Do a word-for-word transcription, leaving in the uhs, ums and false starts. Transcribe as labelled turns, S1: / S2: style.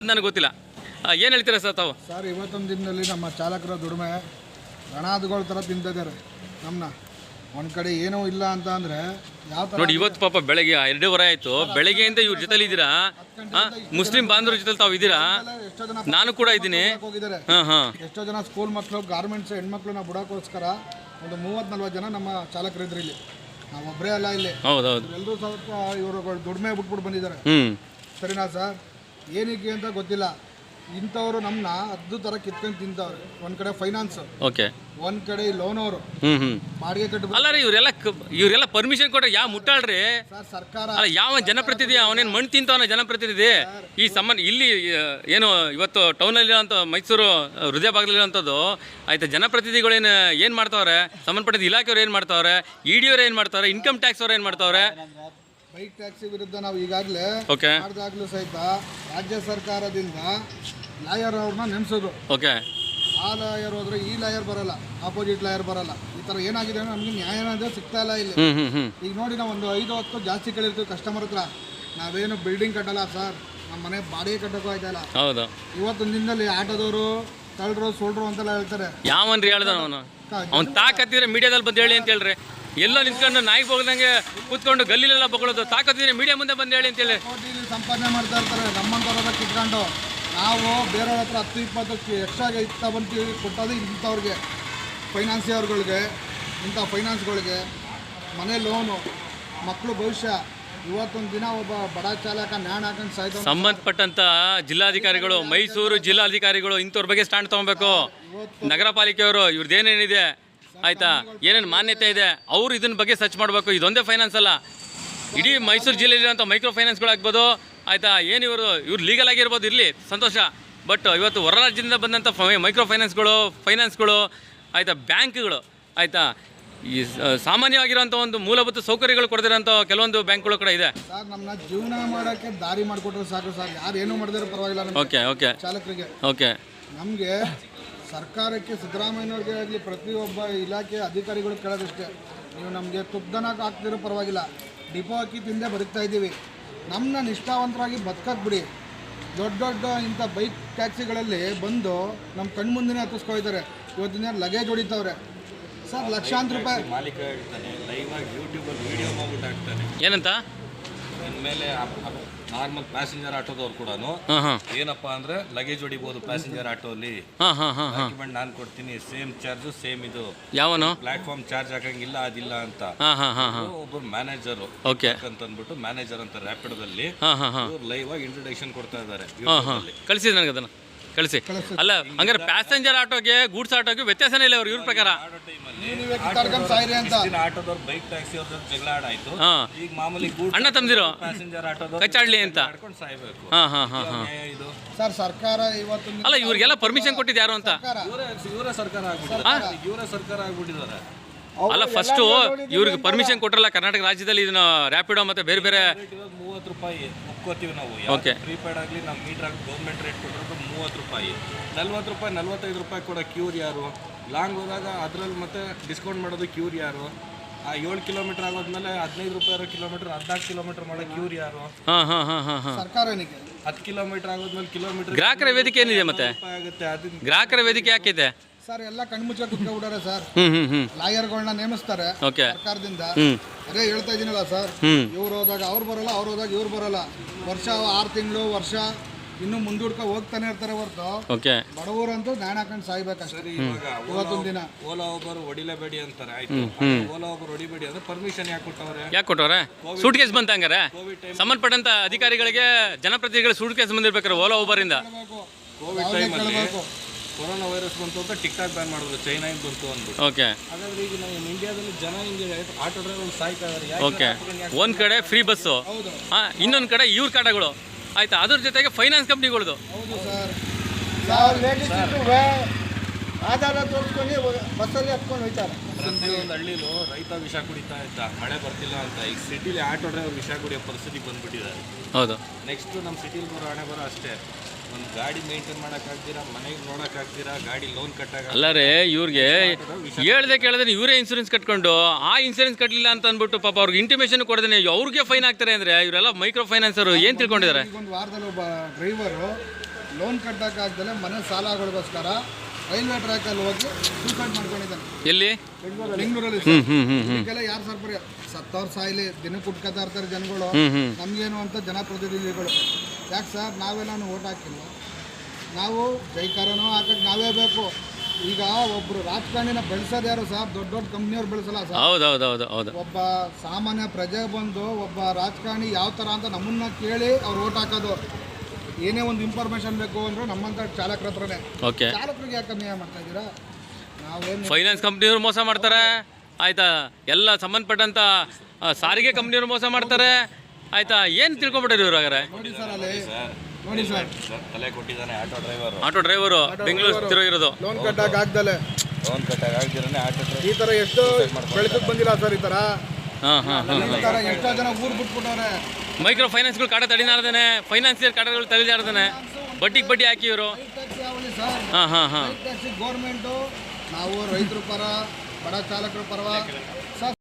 S1: ನನಗೆ ಗೊತ್ತಿಲ್ಲ. ಏನು ಹೇಳ್ತೀರಾ ಸರ್ ತಾವು?
S2: ಸರ್, ಇವತ್ತೊಂದು ದಿನದಲ್ಲಿ ನಮ್ಮ ಚಾಲಕರ ದುಡಿಮೆ ಗಣಾದುಗಳ ಥರ ತಿಂತಿದ್ದಾರೆ ನಮ್ಮನ್ನ. ಒಂದು ಕಡೆ ಏನೂ ಇಲ್ಲ ಅಂತ ಅಂದರೆ ಯಾವ ಥರ
S1: ನೋಡಿ, ಇವತ್ತು ಪಾಪ ಬೆಳಗ್ಗೆ ಎರಡೂವರೆ ಆಯಿತು, ಬೆಳಗ್ಗೆಯಿಂದ ಇವ್ರ ಜೊತೆಲಿ ಇದ್ದೀರಾ, ಮುಸ್ಲಿಂ ಬಾಂಧವ್ರ ಜೊತೆ ತಾವು ಇದ್ದೀರಾ,
S2: ಎಷ್ಟೋ ಜನ
S1: ನಾನು ಕೂಡ ಇದ್ದೀನಿ.
S2: ಹೋಗಿದ್ದಾರೆ.
S1: ಹಾಂ ಹಾಂ
S2: ಎಷ್ಟೋ ಜನ ಸ್ಕೂಲ್ ಮಕ್ಕಳು, ಗಾರ್ಮೆಂಟ್ಸ್ ಹೆಣ್ಮಕ್ಳನ್ನ ಬಿಡೋಕ್ಕೋಸ್ಕರ ಒಂದು ಮೂವತ್ತು ನಲ್ವತ್ತು ಜನ ನಮ್ಮ ಚಾಲಕರಿದ್ರು ಇಲ್ಲಿ. ನಾವು ಒಬ್ಬರೇ ಅಲ್ಲ ಇಲ್ಲಿ.
S1: ಹೌದೌದು,
S2: ಎಲ್ಲರೂ ಸ್ವಲ್ಪ ಇವರು ದುಡಿಮೆ ಬಿಟ್ಬಿಟ್ಟು ಬಂದಿದ್ದಾರೆ.
S1: ಹ್ಞೂ
S2: ಸರಿನಾ ಸರ್? ಏನಕ್ಕೆ ಅಂತ ಗೊತ್ತಿಲ್ಲ. ಇಂಥವ್ರು ನಮ್ಮನ್ನ ಹದ್ದು ಥರ ಕಿತ್ಕೊಂಡು ತಿಂತವ್ರೆ. ಒಂದು ಕಡೆ ಫೈನಾನ್ಸ್,
S1: ಓಕೆ,
S2: ಒಂದು ಕಡೆ ಲೋನ್ ಅವರು
S1: ಹ್ಞೂ ಹ್ಞೂ
S2: ಬಾಡಿಗೆ ಕಟ್ಟಬೇಕು.
S1: ಅಲ್ಲ ರೀ, ಇವರೆಲ್ಲ ಇವರೆಲ್ಲ ಪರ್ಮಿಷನ್ ಕೊಟ್ಟರೆ ಯಾವ ಮುಟ್ಟಾಳ್ರಿ?
S2: ಸರ್, ಸರ್ಕಾರ
S1: ಅಲ್ಲ, ಯಾವ ಜನಪ್ರತಿನಿಧಿ ಅವನೇನು ಮಣ್ಣು ತಿಂತವನ ಜನಪ್ರತಿನಿಧಿ? ಈ ಸಂಬಂಧ ಇಲ್ಲಿ ಏನು ಇವತ್ತು ಟೌನಲ್ಲಿರೋಂಥ ಮೈಸೂರು ಹೃದಯ ಭಾಗದಲ್ಲಿರೋಂಥದ್ದು ಆಯ್ತಾ, ಜನಪ್ರತಿನಿಧಿಗಳೇನು ಏನು ಮಾಡ್ತಾವ್ರೆ, ಸಂಬಂಧಪಟ್ಟಿದ್ದ ಇಲಾಖೆಯವ್ರು ಏನು ಮಾಡ್ತಾವ್ರೆ, ಇ ಡಿ ಅವ್ರು ಏನು ಮಾಡ್ತಾವ್ರೆ, ಇನ್ಕಮ್ ಟ್ಯಾಕ್ಸ್ ಅವ್ರು ಏನು ಮಾಡ್ತಾವ್ರೆ?
S2: ಬೈಕ್ ಟ್ಯಾಕ್ಸಿ ವಿರುದ್ಧ ನಾವು ಈಗಾಗಲೇ
S1: ಓಕೆ
S2: ಮಾಡಿದಾಗಲೂ ಸಹಿತ ರಾಜ್ಯ ಸರ್ಕಾರದಿಂದ ಲಾಯರ್ ಅವ್ರನ್ನ ನೇಮಿಸೋದು.
S1: ಓಕೆ,
S2: ಆ ಲಾಯರ್ ಹೋದ್ರೆ ಈ ಲಾಯರ್ ಬರಲ್ಲ, ಆಪೋಸಿಟ್ ಲಾಯರ್ ಬರಲ್ಲ. ಈ ಥರ ಏನಾಗಿದೆ ಅಂದ್ರೆ ನಮಗೆ ನ್ಯಾಯ ಅನ್ನೋದೇ ಸಿಗ್ತಾ ಇಲ್ಲ ಇಲ್ಲಿ.
S1: ಹ್ಞೂ ಹ್ಞೂ ಹ್ಞೂ
S2: ಈಗ ನೋಡಿ, ನಾವು ಒಂದು ಐದು ಹತ್ತು ಜಾಸ್ತಿ ಕೇಳಿರ್ತೀವಿ ಕಸ್ಟಮರ್ ಹತ್ರ. ನಾವೇನು ಬಿಲ್ಡಿಂಗ್ ಕಟ್ಟಲ್ಲ ಸರ್, ನಮ್ಮ ಮನೆ ಬಾಡಿಗೆ ಕಟ್ಟೋಕ್ಕೂ ಆಯ್ತಲ್ಲ.
S1: ಹೌದು,
S2: ಇವತ್ತೊಂದು ದಿನದಲ್ಲಿ ಆಟೋದವರು ತಳ್ರು ಸೋಳ್ರು ಅಂತೆಲ್ಲ ಹೇಳ್ತಾರೆ.
S1: ಯಾವನ್ರಿ ಹೇಳ್ದ ಅವನು? ಅವ್ನು ತಾಕತ್ತಿದ್ರೆ ಮೀಡಿಯಾದಲ್ಲಿ ಬಂದು ಹೇಳಿ ಅಂತ ಹೇಳ್ರಿ. ಎಲ್ಲೋ ನಿಂತ್ಕೊಂಡು ನಾಯಿ ಹೋಗ್ದಂಗೆ ಕೂತ್ಕೊಂಡು ಗಲ್ಲಿಲೆಲ್ಲ ಬಗಳೋದು. ತಾಕತ್ತಿದ್ರೆ ಮೀಡಿಯಾ ಮುಂದೆ ಬಂದು ಹೇಳಿ ಅಂತೇಳಿ
S2: ಕೋಟಿಲಿ ಸಂಪಾದನೆ ಮಾಡ್ತಾ ಇರ್ತಾರೆ ನಮ್ಮಂಥವ್ರ ಕಿತ್ಕೊಂಡು. ನಾವು ಬೇರೆಯವ್ರ ಹತ್ರ ಹತ್ತು ಇಪ್ಪತ್ತು ಎಕ್ಸ್ಟ್ರಾಗೆ ಇತ್ತ ಬಂದು ಕೊಟ್ಟೋದು ಇಂಥವ್ರಿಗೆ, ಫೈನಾನ್ಸಿಯರ್ಗಳಿಗೆ, ಇಂಥ ಫೈನಾನ್ಸ್ಗಳಿಗೆ. ಮನೆ ಲೋನು, ಮಕ್ಕಳು ಭವಿಷ್ಯ. ಇವತ್ತೊಂದು ದಿನ ಒಬ್ಬ ಬಡ ಚಾಲಕ ನ್ಯಾಣ ಹಾಕೊಂಡು ಸಾಯ್ತು.
S1: ಸಂಬಂಧಪಟ್ಟಂತ ಜಿಲ್ಲಾಧಿಕಾರಿಗಳು, ಮೈಸೂರು ಜಿಲ್ಲಾಧಿಕಾರಿಗಳು ಇಂಥವ್ರ ಬಗ್ಗೆ ಸ್ಟ್ಯಾಂಡ್ ತೊಗೊಬೇಕು. ನಗರ ಪಾಲಿಕೆಯವರು ಇವ್ರದ್ದೇನೇನಿದೆ ಆಯ್ತಾ, ಏನೇನು ಮಾನ್ಯತೆ ಇದೆ, ಅವರು ಇದನ್ನ ಬಗ್ಗೆ ಸರ್ಚ್ ಮಾಡಬೇಕು. ಇದೊಂದೇ ಫೈನಾನ್ಸ್ ಅಲ್ಲ, ಇಡೀ ಮೈಸೂರು ಜಿಲ್ಲೆಯಲ್ಲಿರುವಂಥ ಮೈಕ್ರೋ ಫೈನಾನ್ಸ್ಗಳಾಗ್ಬೋದು ಆಯಿತಾ. ಏನು ಇವರು ಇವ್ರು ಲೀಗಲ್ ಆಗಿರ್ಬೋದು, ಇರಲಿ ಸಂತೋಷ. ಬಟ್ ಇವತ್ತು ಹೊರ ರಾಜ್ಯದಿಂದ ಬಂದಂಥ ಮೈಕ್ರೋ ಫೈನಾನ್ಸ್ಗಳು ಫೈನಾನ್ಸ್ಗಳು ಆಯಿತಾ, ಬ್ಯಾಂಕ್ಗಳು ಆಯಿತಾ, ಈ ಸಾಮಾನ್ಯವಾಗಿರುವಂಥ ಒಂದು ಮೂಲಭೂತ ಸೌಕರ್ಯಗಳು ಕೊಡದಿರೋಂಥ ಕೆಲವೊಂದು ಬ್ಯಾಂಕ್ಗಳು ಕೂಡ ಇದೆ.
S2: ಸರ್, ನಮ್ಮನ್ನ ಜೀವನ ಮಾಡೋಕ್ಕೆ ದಾರಿ ಮಾಡಿಕೊಟ್ರೆ ಸಾಕು ಸರ್. ಯಾರು ಏನೂ ಮಾಡಿದ್ರೆ ಪರವಾಗಿಲ್ಲ.
S1: ಓಕೆ ಓಕೆ
S2: ಚಾಲಕರಿಗೆ
S1: ಓಕೆ
S2: ನಮಗೆ ಸರ್ಕಾರಕ್ಕೆ, ಸಿದ್ದರಾಮಯ್ಯವ್ರಿಗೆ ಆಗಲಿ, ಪ್ರತಿಯೊಬ್ಬ ಇಲಾಖೆ ಅಧಿಕಾರಿಗಳು ಕೇಳೋದಷ್ಟೇ, ನೀವು ನಮಗೆ ತುಪ್ಪದನಾಗ ಹಾಕ್ತಿರೋ ಪರವಾಗಿಲ್ಲ, ಡಿಪೋ ಹಾಕಿ ತಿಂದೇ ಬದುಕ್ತಾ ಇದ್ದೀವಿ. ನಮ್ಮನ್ನ ನಿಷ್ಠಾವಂತರಾಗಿ ಬದುಕಕ್ಕೆ ಬಿಡಿ. ದೊಡ್ಡ ದೊಡ್ಡ ಇಂಥ ಬೈಕ್ ಟ್ಯಾಕ್ಸಿಗಳಲ್ಲಿ ಬಂದು ನಮ್ಮ ಕಣ್ಮುಂದಿನೇ ಹತ್ತಿಸ್ಕೊಯ್ತಾರೆ. ಇವತ್ತಿನ ಲಗೇಜ್ ಹೊಡಿತವ್ರೆ ಸರ್, ಲಕ್ಷಾಂತರ ರೂಪಾಯಿ.
S3: ಮಾಲೀಕ ಹೇಳ್ತಾನೆ, ಲೈವ್ ಆಗಿ ಯೂಟ್ಯೂಬಲ್ಲಿ ವಿಡಿಯೋ ಮಾಡ್ಬಿಟ್ಟು ಹಾಕ್ತಾನೆ.
S1: ಏನಂತ?
S3: ಇನ್ಮೇಲೆ ನಾರ್ಮಲ್ ಪ್ಯಾಸೆಂಜರ್ ಆಟೋದವ್ರು ಕೂಡ ಏನಪ್ಪಾ ಅಂದ್ರೆ ಲಗೇಜ್ ಹೊಡಿಬಹುದು ಪ್ಯಾಸೆಂಜರ್ ಆಟೋಲಿ. ಡಾಕ್ಯುಮೆಂಟ್ ನಾನು ಕೊಡ್ತೀನಿ, ಸೇಮ್ ಚಾರ್ಜ್ ಸೇಮ್ ಇದು.
S1: ಯಾವನು
S3: ಪ್ಲಾಟ್ಫಾರ್ಮ್ ಚಾರ್ಜ್ ಹಾಕಂಗಿಲ್ಲ ಅದಿಲ್ಲ ಅಂತ ಒಬ್ಬರು ಮ್ಯಾನೇಜರ್ ಅಂತ ಅಂದ್ಬಿಟ್ಟು ಮ್ಯಾನೇಜರ್ ಅಂತ ರ್ಯಾಪಿಡೋದಲ್ಲಿ ಲೈವ್ ಆಗಿ ಇಂಟ್ರೊಡಕ್ಷನ್ ಕೊಡ್ತಾ ಇದ್ದಾರೆ.
S1: ಕಳಿಸಿದ್ ನನಗೆ ಅದನ್ನ ಕಳಿಸಿ. ಅಲ್ಲ, ಹಂಗಾರೆ ಪ್ಯಾಸೆಂಜರ್ ಆಟೋಗೆ ಗೂಡ್ಸ್ ಆಟೋಗೆ ವ್ಯತ್ಯಾಸನೇ ಇಲ್ಲ ಅವ್ರು ಇವ್ರ ಪ್ರಕಾರ.
S3: ಆಟೋದವ್ರು ಬೈಕ್ ಟ್ಯಾಕ್ಸಿ ಅವ್ರ ಜಗಳ ಆಡಾಯ್ತು. ಈಗ ಮಾಮೂಲಿ
S1: ಅಣ್ಣ ತಮ್ದಿರೋ
S3: ಪ್ಯಾಸೆಂಜರ್ ಆಟೋದವ್ರು
S1: ಕಚ್ಚಾಡ್ಲಿ ಅಂತ
S3: ಸಾಯ್ಬೇಕು.
S1: ಹಾ ಹಾ ಹಾ ಹಾ
S3: ಇದು
S2: ಸರ್, ಸರ್ಕಾರ ಇವತ್ತು
S1: ಅಲ್ಲ, ಇವ್ರಿಗೆಲ್ಲ ಪರ್ಮಿಷನ್ ಕೊಟ್ಟಿದ್ದು ಯಾರು ಅಂತ?
S3: ಇವರ ಸರ್ಕಾರ ಆಗ್ಬಿಟ್ಟಿದ್ದಾರೆ. ಇವರ ಸರ್ಕಾರ ಆಗ್ಬಿಟ್ಟಿದ್ದಾರೆ.
S1: ಅಲ್ಲ, ಫಸ್ಟು ಇವ್ರಿಗೆ ಪರ್ಮಿಷನ್ ಕೊಟ್ಟರಲ್ಲ ಕರ್ನಾಟಕ ರಾಜ್ಯದಲ್ಲಿ. ಇದನ್ನ ರ್ಯಾಪಿಡೋ ಮತ್ತೆ ಬೇರೆ ಬೇರೆ
S3: ಮೂವತ್ತು ರೂಪಾಯಿ ಒಪ್ಕೋತೀವಿ ನಾವು.
S1: ಓಕೆ,
S3: ಪ್ರೀಪೇಡ್ ಆಗಲಿ ನಮ್ಮ ಮೀಟರ್ ಗೌರ್ಮೆಂಟ್ ರೇಟ್ ಕೊಟ್ಟಿರೋದು ಮೂವತ್ತು ರೂಪಾಯಿ. ನಲ್ವತ್ತು ರೂಪಾಯಿ ನಲ್ವತ್ತೈದು ರೂಪಾಯಿ ಕೊಡೋ ಕ್ಯೂರ್ ಯಾರು? ಲಾಂಗ್ ಹೋದಾಗ ಅದರಲ್ಲಿ ಮತ್ತೆ ಡಿಸ್ಕೌಂಟ್ ಮಾಡೋದು ಕ್ಯೂರ್ ಯಾರು? ಆ ಏಳು ಕಿಲೋಮೀಟರ್ ಆಗೋದ್ಮೇಲೆ ಹದಿನೈದು ರೂಪಾಯಿ ಇರೋ ಕಿಲೋಮೀಟರ್ ಹದಿನಾಲ್ಕು ಕಿಲೋಮೀಟರ್ ಮಾಡೋ ಕ್ಯೂರ್ ಯಾರು?
S2: ಸರ್ಕಾರ
S3: ಹತ್ತು ಕಿಲೋಮೀಟರ್ ಆಗೋದ್ಮೇಲೆ ಕಿಲೋಮೀಟರ್
S1: ಗ್ರಾಹಕರ ವೇದಿಕೆ ಏನಿದೆ ಮತ್ತೆ?
S3: ಆಗುತ್ತೆ. ಅದನ್ನ
S1: ಗ್ರಾಹಕರ ವೇದಿಕೆ ಯಾಕಿದೆ
S2: ಸರ್? ಎಲ್ಲ ಕಣ್ಮುಚ್ಚ ಕುತ್ಕೊಂಡ್ಬಿಟ್ಟಾರೆ ಸರ್.
S1: ಹ್ಮ್ ಹ್ಮ್ ಹ್ಮ್
S2: ಲಾಯರ್ಗಳನ್ನ ನೇಮಿಸ್ತಾರೆ
S1: ಓಕೆ
S2: ಸರ್ಕಾರದಿಂದ.
S1: ಹ್ಮ್
S2: ಅದೇ ಹೇಳ್ತಾ ಇದೀನಲ್ಲ ಸರ್,
S1: ಹ್ಮ್
S2: ಇವ್ರು ಹೋದಾಗ ಅವ್ರು ಬರಲ್ಲ, ಅವ್ರು ಹೋದಾಗ ಇವ್ರು ಬರಲ್ಲ. ವರ್ಷ ಆರು ತಿಂಗಳು ವರ್ಷ ಇನ್ನು ಮುಂದೂಡ್ಕ ಹೋಗ್ತಾನೆ ಇರ್ತಾರೆ ಹೊರತು
S1: ಓಕೆ
S2: ಬಡವರಂತೂ ನ್ಯಾಣ ಹಾಕೊಂಡು ಸಾಯ್ಬೇಕಷ್ಟೇ. ಇವತ್ತೊಂದು ದಿನ
S3: ಓಲಾ ಒಬ್ಬರು ಹೊಡಿಲೇಬೇಡಿ ಅಂತಾರೆ. ಆಯ್ತು, ಓಲಾ ಒಬ್ಬರು ಹೊಡಿಬೇಡಿ ಅಂದ್ರೆ ಪರ್ಮಿಷನ್ ಯಾಕೆ ಕೊಟ್ಟವ್ರೆ?
S1: ಯಾಕೆ ಕೊಟ್ಟವ್ರೆ? ಸೂಟ್ ಕೇಸ್ ಬಂತ ಹಂಗಾರೆ? ಸಂಬಂಧಪಟ್ಟಂತ ಅಧಿಕಾರಿಗಳಿಗೆ ಜನಪ್ರತಿನಿಧಿಗಳು ಸೂಟ್ ಕೇಸ್ ಬಂದಿರ್ಬೇಕಾರೆ ಓಲಾ ಒಬ್ಬರಿಂದ.
S3: ಕೋವಿಡ್ ಟೈಮಲ್ಲಿ ಕೊರೋನಾ ವೈರಸ್ ಬಂತು ಅಂತ ಟಿಕ್ ಟಾಕ್ ಬ್ಯಾನ್ ಮಾಡಿದ್ರು, ಚೈನಾಯಿಂದ ಬಂತು ಅಂದ್ಬಿಟ್ಟು.
S1: ಓಕೆ,
S3: ಹಾಗಾದ್ರೆ ಈಗ ನಾವು ಇಂಡಿಯಾದಲ್ಲಿ ಜನ ಹಿಂಗೆ ಆಟೋ ಡ್ರೈವರ್ ಸಾಯ್ತಾ ಇದ್ದಾರೆ.
S1: ಓಕೆ, ಒಂದ್ ಕಡೆ ಫ್ರೀ ಬಸ್ಸು, ಹಾ, ಇನ್ನೊಂದ್ ಕಡೆ ಇವ್ರ ಕಾಟಗಳು ಆಯ್ತಾ, ಅದ್ರ ಜೊತೆಗೆ ಫೈನಾನ್ಸ್ ಕಂಪ್ನಿಗಳದು.
S2: ಹೌದು ಸರ್. ಆಧಾರ ತೋರಿಸ್ಕೊಂಡು ಬಸ್ಸಲ್ಲಿ ಹತ್ಕೊಂಡು ಹೋಯ್ತಾರೆ.
S3: ಪ್ರತಿಯೊಂದು ಹಳ್ಳಿಲೂ ರೈತ ವಿಷ ಕುಡಿತಾ ಇದ್ದ, ಮಳೆ ಬರ್ತಿಲ್ಲ ಅಂತ. ಈಗ ಸಿಟಿಲಿ ಆಟೋ ಡ್ರೈವರ್ ವಿಷ ಕುಡಿಯೋ ಪರಿಸ್ಥಿತಿ ಬಂದ್ಬಿಟ್ಟಿದ್ದಾರೆ.
S1: ಹೌದು,
S3: ನೆಕ್ಸ್ಟ್ ನಮ್ಮ ಸಿಟಿಲಿ ಬರೋ ಹಣೆ ಬರೋ ಅಷ್ಟೇ. ಒಂದು ಗಾಡಿ ಮೇಂಟೈನ್ ಮಾಡೋಕ್ಕಾಗ್ತೀರಾ, ಮನೆಗೆ ನೋಡೋಕ್ಕಾಗ್ತೀರಾ, ಗಾಡಿ ಲೋನ್ ಕಟ್ಟಾಗ.
S1: ಅಲ್ಲರೇ ಇವ್ರಿಗೆ ಹೇಳ್ದೆ ಕೇಳಿದ್ರೆ ಇವರೇ ಇನ್ಸೂರೆನ್ಸ್ ಕಟ್ಕೊಂಡು ಆ ಇನ್ಸೂರೆನ್ಸ್ ಕಟ್ಟಲಿಲ್ಲ ಅಂತ ಅಂದ್ಬಿಟ್ಟು ಪಾಪ ಅವ್ರಿಗೆ ಇಂಟಿಮೇಷನ್ ಕೊಡದೇನೆ ಅವ್ರಿಗೆ ಫೈನ್ ಹಾಕ್ತಾರೆ. ಅಂದರೆ ಇವರೆಲ್ಲ ಮೈಕ್ರೋ ಫೈನಾನ್ಸರು ಏನು ತಿಳ್ಕೊಂಡಿದ್ದಾರೆ?
S2: ಒಂದು ವಾರದಲ್ಲಿ ಒಬ್ಬ ಡ್ರೈವರು ಲೋನ್ ಕಟ್ಟೋಕ್ಕಾಗ್ದಲೆ ಮನೆ ಸಾಲಗಳಿಗೋಸ್ಕರ ರೈಲ್ವೆ ಟ್ರ್ಯಾಕಲ್ಲಿ ಹೋಗಿ ಸೂಸೈಡ್ ಮಾಡ್ಕೊಂಡಿದ್ದಾನೆ.
S1: ಎಲ್ಲಿ?
S2: ಬೆಂಗಳೂರಲ್ಲಿ
S1: ಹ್ಮ್ ಹ್ಮ್ ಹ್ಮ್ ಹ್ಮ್
S2: ಇದಕ್ಕೆಲ್ಲ ಯಾರು ಸರ್ ಬರೀ ಸತ್ತವ್ರ ಸಾಯಿಲಿ ದಿನಕ್ಕೆ ಕುಟ್ಕೋತಾ ಇರ್ತಾರೆ ಜನಗಳು.
S1: ಹ್ಮ್ ಹ್ಮ್
S2: ನಮಗೇನು ಅಂತ ಜನಪ್ರತಿನಿಧಿಗಳು ಯಾಕೆ ಸರ್ ನಾವೇ ನಾನು ಓಟ್ ಹಾಕಿಲ್ಲ, ನಾವು ಜೈಕಾರನೂ ಹಾಕಕ್ಕೆ ನಾವೇ ಬೇಕು. ಈಗ ಒಬ್ಬರು ರಾಜಕಾರಣಿನ ಬೆಳೆಸೋದು ಯಾರು ಸರ್? ದೊಡ್ಡ ದೊಡ್ಡ ಕಂಪ್ನಿಯವ್ರು ಬೆಳೆಸಲ್ಲ ಸರ್.
S1: ಹೌದು ಹೌದು ಹೌದು ಹೌದು.
S2: ಒಬ್ಬ ಸಾಮಾನ್ಯ ಪ್ರಜೆ ಬಂದು ಒಬ್ಬ ರಾಜಕಾರಣಿ ಯಾವ ಥರ ಅಂತ ನಮ್ಮನ್ನ ಕೇಳಿ ಅವ್ರು ಓಟ್ ಹಾಕೋದು. ಏನೇ ಒಂದು ಇನ್ಫಾರ್ಮೇಶನ್ ಬೇಕು ಅಂದ್ರೆ ನಮ್ಮಂಥ ಚಾಲಕರ ಹತ್ರನೇ.
S1: ಓಕೆ.
S2: ಚಾಲಕರಿಗೆ ಯಾಕೆ ಅನ್ಯಾಯ ಮಾಡ್ತಾ ಇದ್ದೀರಾ? ನಾವೇನು
S1: ಫೈನಾನ್ಸ್ ಕಂಪ್ನಿಯವ್ರು ಮೋಸ ಮಾಡ್ತಾರೆ ಆಯ್ತಾ, ಎಲ್ಲ ಸಂಬಂಧಪಟ್ಟಂತ ಆ, ಸಾರಿಗೆ ಕಂಪ್ನಿಯವ್ರು ಮೋಸ ಮಾಡ್ತಾರೆ ಆಯ್ತಾ. ಏನು ತಿಳ್ಕೊಂಬಿಟ್ಟಾರೆ ಇವ್ರು ಹಾಗಾರೆ?
S2: ನೋಡಿ ಸರ್ ಅಲ್ಲಿ ನೋಡಿ ಸರ್
S3: ತಲೆ ಕೊಟ್ಟಿದ್ದಾನೆ auto driver.
S1: Auto driver Bengaluru ತಿರುಗಿರೋದು.
S2: ಲೋನ್ ಕಟ್ಟಕ್ಕೆ ಆಗ್ದಲೆ
S3: ಲೋನ್ ಕಟ್ಟಾಗ ಆಗ್ದಿರನೇ ಆಟೋ ಡ್ರೈವರ್
S2: ಈ ಥರ ಎಷ್ಟೋ ಬೆಳೆದಕ್ಕೆ ಬಂದಿಲ್ಲ ಸರ್. ಈ ಥರ
S1: ಹಾಂ ಹಾಂ ಹಾಂ
S2: ಈ ಥರ ಎಷ್ಟೋ ಜನ ಊರು ಬಿಟ್ಬಿಟ್ಟವ್ರೆ.
S1: ಮೈಕ್ರೋ ಫೈನಾನ್ಸ್ಗಳು ಕಾಟ ತಡಿನಾರ್ದೇನೆ, ಫೈನಾನ್ಸಿಯರ್ ಕಾಟಗಳು ತಡಿದಾರ್ದೇನೆ, ಬಡ್ಡಿಗೆ ಬಡ್ಡಿ ಹಾಕಿ ಇವರು.
S2: ಟ್ಯಾಕ್ಸ್ ಯಾವಲ್ಲಿ ಸರ್?
S1: ಹಾಂ ಹಾಂ ಹಾಂ
S2: ಟ್ಯಾಕ್ಸಿ ಗೌರ್ಮೆಂಟು, ನಾವು ರೈತರ ಪರ, ಬಡ ಚಾಲಕರ ಪರವ ಸರ್.